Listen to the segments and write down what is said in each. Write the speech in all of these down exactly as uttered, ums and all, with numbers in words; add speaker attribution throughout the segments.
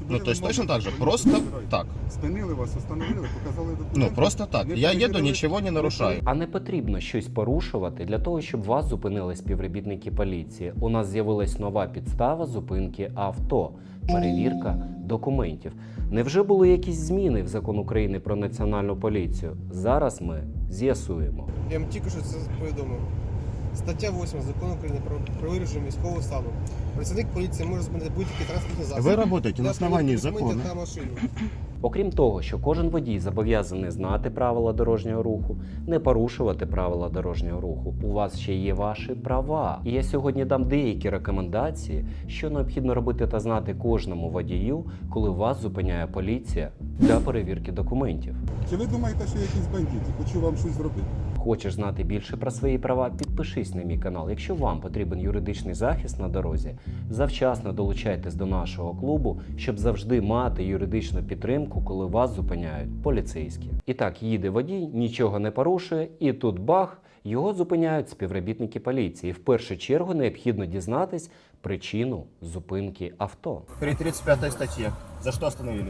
Speaker 1: Ну, то есть точно так же, просто так.
Speaker 2: Спинили вас, остановили, показали документи.
Speaker 1: Ну, просто так.
Speaker 2: Не
Speaker 1: Я еду,
Speaker 2: перевірили-
Speaker 1: ничего не нарушаю.
Speaker 3: А не потрібно щось порушувати для того, щоб вас зупинили співробітники поліції. У нас з'явилась нова підстава зупинки авто – перевірка документів. Невже були якісь зміни в закон України про національну поліцію? Зараз ми з'ясуємо.
Speaker 4: Я вам тільки що це повідомив. Стаття восьма Закону України про, про вирішення військового стану. Працівник поліції може зупинити будь-які транспортні засоби.
Speaker 1: Вы работаете на
Speaker 4: для
Speaker 1: основании
Speaker 4: перевірки документів
Speaker 1: закона.
Speaker 4: на машину.
Speaker 3: Окрім того, що кожен водій зобов'язаний знати правила дорожнього руху, не порушувати правила дорожнього руху, у вас ще є ваші права. І я сьогодні дам деякі рекомендації, що необхідно робити та знати кожному водію, коли вас зупиняє поліція для перевірки документів.
Speaker 2: Чи ви думаєте, що я якийсь бандит і хочу вам щось зробити?
Speaker 3: Хочеш знати більше про свої права? Підпишись на мій канал. Якщо вам потрібен юридичний захист на дорозі, завчасно долучайтесь до нашого клубу, щоб завжди мати юридичну підтримку, коли вас зупиняють поліцейські. І так, їде водій, нічого не порушує, і тут бах, його зупиняють співробітники поліції. В першу чергу необхідно дізнатись причину зупинки авто.
Speaker 1: При тридцать пятой статье. За что остановили?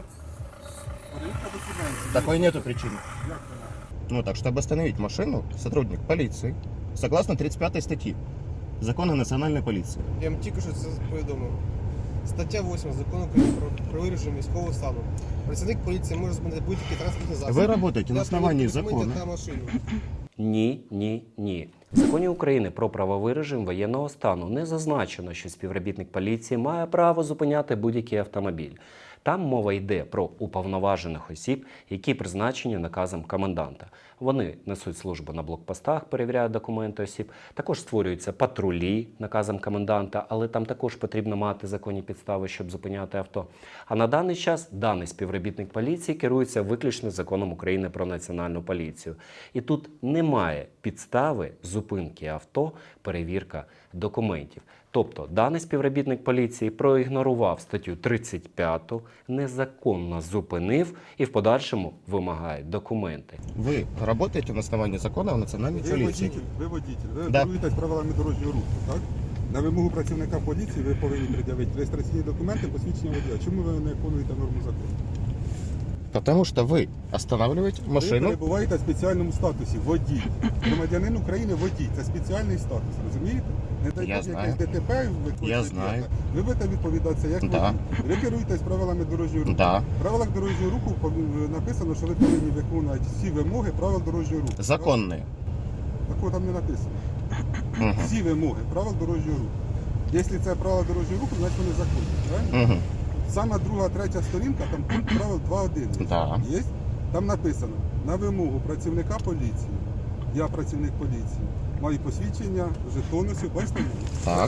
Speaker 1: Такой нету причины. Ну так, чтобы остановить машину, сотрудник полиции, согласно тридцать пятой статьи Закона о национальной полиции.
Speaker 4: Я вам тільки що це повідомив. Стаття восьма Закону України про, про вирішення військового стану. Працівник поліції може зупинити будь-які транспортні засоби.
Speaker 1: Вы работаете на
Speaker 4: для
Speaker 1: основании
Speaker 4: перевірки документів
Speaker 1: закона.
Speaker 4: на машину.
Speaker 3: Ні, ні, ні. В законі України про правовий режим воєнного стану не зазначено, що співробітник поліції має право зупиняти будь-який автомобіль. Там мова йде про уповноважених осіб, які призначені наказом коменданта. Вони несуть службу на блокпостах, перевіряють документи осіб. Також створюються патрулі наказом коменданта, але там також потрібно мати законні підстави, щоб зупиняти авто. А на даний час даний співробітник поліції керується виключно законом України про національну поліцію. І тут немає підстави зупинки авто, перевірка документів. Тобто даний співробітник поліції проігнорував статтю тридцять п'яту, незаконно зупинив і в подальшому вимагає документи.
Speaker 1: Вы работаете на основании закона о национальной
Speaker 2: Ви
Speaker 1: полиции.
Speaker 2: водитель, ви водитель, ви
Speaker 1: Да.
Speaker 2: керуєтесь правилами дорожнього руху, так? На вимогу працівника поліції ви повинні пред'явити реєстраційні документи, посвідчення водія. Чому ви не виконуєте норму закону?
Speaker 1: Потому что вы останавливаете
Speaker 2: Ви
Speaker 1: машину.
Speaker 2: перебуваєте в спеціальному статусі водій. Громадянин України водій. Це спеціальний статус, розумієте? Не дай
Speaker 1: Я
Speaker 2: Бог
Speaker 1: знаю.
Speaker 2: якесь ДТП ви
Speaker 1: Я
Speaker 2: хочете
Speaker 1: знаю.
Speaker 2: зробити. Ви будете відповідатися як
Speaker 1: Да.
Speaker 2: водій. Ви керуєтесь правилами дорожнього руху.
Speaker 1: Да.
Speaker 2: В правилах дорожнього руху пов- написано, що ви повинні виконувати всі вимоги правил дорожнього руху.
Speaker 1: Законные.
Speaker 2: Такого там не написано.
Speaker 1: Мгм.
Speaker 2: Всі вимоги правил дорожнього руху. Якщо це правила дорожнього руху, значить вони законні. Правильно?
Speaker 1: Мгм.
Speaker 2: Сама друга, третя сторінка, там пункт правил два один.
Speaker 1: Да.
Speaker 2: Є? Там написано, на вимогу працівника поліції, я працівник поліції, маю посвідчення, жетон ось, бачите?
Speaker 1: Так.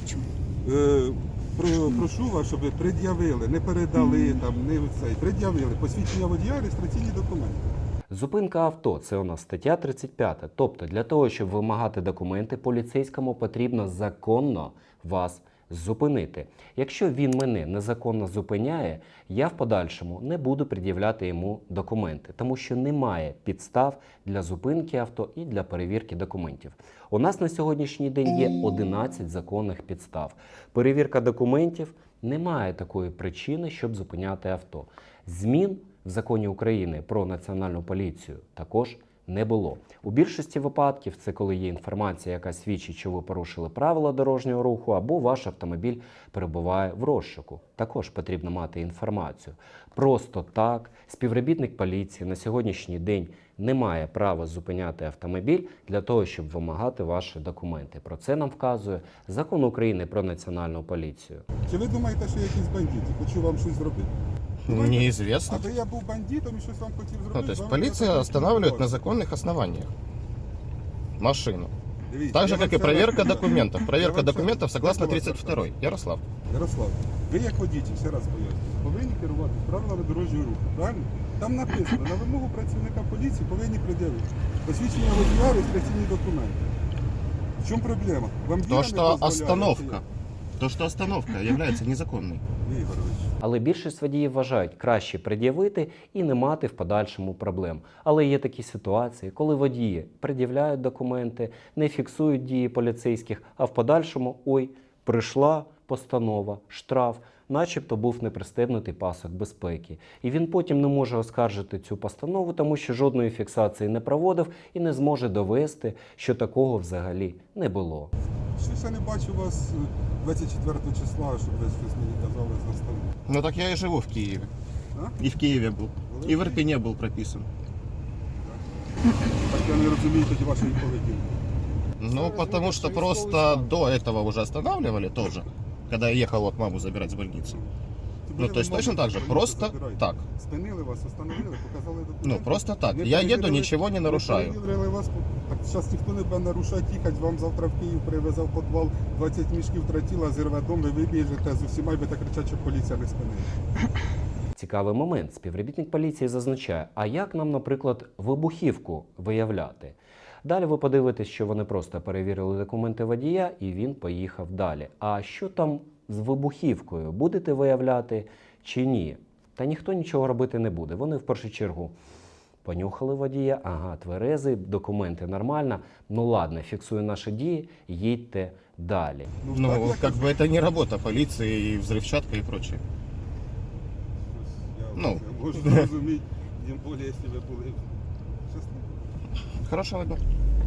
Speaker 2: Е, про, прошу вас, щоб ви пред'явили, не передали, там, не цей, пред'явили посвідчення водія, реєстраційні документи.
Speaker 3: Зупинка авто – це у нас стаття тридцять п'ята. Тобто для того, щоб вимагати документи, поліцейському потрібно законно вас зупинити. Якщо він мене незаконно зупиняє, я в подальшому не буду пред'являти йому документи, тому що немає підстав для зупинки авто і для перевірки документів. У нас на сьогоднішній день є одинадцять законних підстав. Перевірка документів – немає такої причини, щоб зупиняти авто. Змін в законі України про національну поліцію також не було. У більшості випадків це коли є інформація, яка свідчить, що ви порушили правила дорожнього руху, або ваш автомобіль перебуває в розшуку. Також потрібно мати інформацію. Просто так співробітник поліції на сьогоднішній день не має права зупиняти автомобіль для того, щоб вимагати ваші документи. Про це нам вказує Закон України про національну поліцію.
Speaker 2: Чи ви думаєте, що я якийсь бандит і хочу вам щось зробити?
Speaker 1: Неизвестно.
Speaker 2: Аби я був бандитом і щось вам хотів зробити.
Speaker 1: Ну, то есть
Speaker 2: вам
Speaker 1: полиция
Speaker 2: треба
Speaker 1: останавливает на
Speaker 2: спілкуватися.
Speaker 1: законных основаниях машину.
Speaker 2: Дивіться,
Speaker 1: Так же,
Speaker 2: я
Speaker 1: как
Speaker 2: вам
Speaker 1: и
Speaker 2: ще
Speaker 1: проверка
Speaker 2: раз-
Speaker 1: документов.
Speaker 2: Я
Speaker 1: Проверка
Speaker 2: вам ще-
Speaker 1: документов согласно
Speaker 2: я вам
Speaker 1: тридцать второй. Ярослав.
Speaker 2: Ярослав, ви як водитель, ще раз поясню, повинні керувати правилами дорожнього руху, правильно? Там написано, на вимогу працівника поліції повинні пред'явити посвідчення водія, реєстраційні документи. В чому проблема? Вам
Speaker 1: То,
Speaker 2: віра
Speaker 1: что
Speaker 2: не дозволяє,
Speaker 1: остановка, то, что остановка является незаконной.
Speaker 2: чи як? Ігорович,
Speaker 3: Але більшість водіїв вважають краще пред'явити і не мати в подальшому проблем. Але є такі ситуації, коли водії пред'являють документи, не фіксують дії поліцейських, а в подальшому, ой, прийшла постанова, штраф, начебто був не пристебнутий пасок безпеки. І він потім не може оскаржити цю постанову, тому що жодної фіксації не проводив і не зможе довести, що такого взагалі не було.
Speaker 2: Щось я не бачу вас двадцять четвертого числа, щоб ви щось мені казали за столом.
Speaker 1: Ну так я и живу в Киеве.
Speaker 2: А?
Speaker 1: И в Киеве был. И в Ирпене был прописан.
Speaker 2: Так я не розумію тоді вашої поведінки.
Speaker 1: Ну, потому что просто до этого уже останавливали тоже, когда я ехал вот маму забирать с больницы. Ну, то есть точно так же, просто так.
Speaker 2: Спинили вас, остановили, показали документи.
Speaker 1: Ну, просто так.
Speaker 2: Не
Speaker 1: Я еду,
Speaker 2: перевірили-
Speaker 1: ничего не нарушаю.
Speaker 2: Не перевірили вас. Так зараз ніхто не буде нарушати, їхати, вам завтра в Київ привезе в підвал двадцять мішків тратіла, зірве дом, ви вибіжете з усіма і будете кричати, що поліція не спинила.
Speaker 3: Цікавий момент. Співробітник поліції зазначає, а як нам, наприклад, вибухівку виявляти? Далі ви подивитесь, що вони просто перевірили документи водія і він поїхав далі. А що там з вибухівкою? Будете виявляти чи ні? Та ніхто нічого робити не буде. Вони в першу чергу понюхали водія, ага, тверезий, документи нормально. Ну ладно, фіксую наші дії, їдьте далі.
Speaker 1: Ну,
Speaker 2: так, як-
Speaker 1: как бы это не работа полиции и взрывчатка и прочее.
Speaker 2: Я
Speaker 1: Ну.
Speaker 2: це можу зрозуміти, тим більше, якщо ви були щасливі.
Speaker 1: Хорошего дня.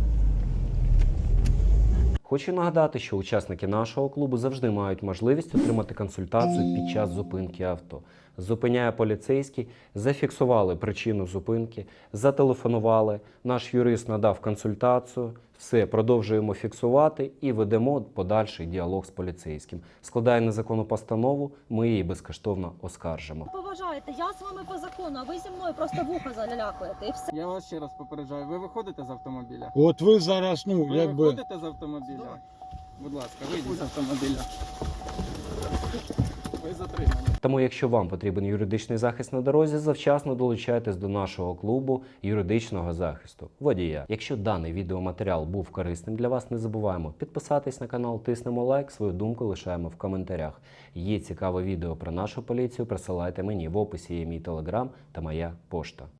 Speaker 3: Хочу нагадати, що учасники нашого клубу завжди мають можливість отримати консультацію під час зупинки авто. Зупиняє поліцейський, зафіксували причину зупинки, зателефонували, наш юрист надав консультацію, все, продовжуємо фіксувати і ведемо подальший діалог з поліцейським. Складає незаконну постанову, ми її безкоштовно оскаржимо.
Speaker 5: Поважаєте, я з вами по закону, а ви зі мною просто вуха залялякуєте і все.
Speaker 6: Я вас ще раз попереджаю, ви виходите з автомобіля?
Speaker 7: От ви зараз, ну,
Speaker 6: Ви
Speaker 7: якби.
Speaker 6: виходите з автомобіля? Будь ласка, вийдіть з автомобіля. Ви затримані.
Speaker 3: Тому, якщо вам потрібен юридичний захист на дорозі, завчасно долучайтесь до нашого клубу юридичного захисту водія. Якщо даний відеоматеріал був корисним для вас, не забуваємо підписатись на канал, тиснемо лайк, свою думку лишаємо в коментарях. Є цікаве відео про нашу поліцію, присилайте мені, в описі є мій телеграм та моя пошта.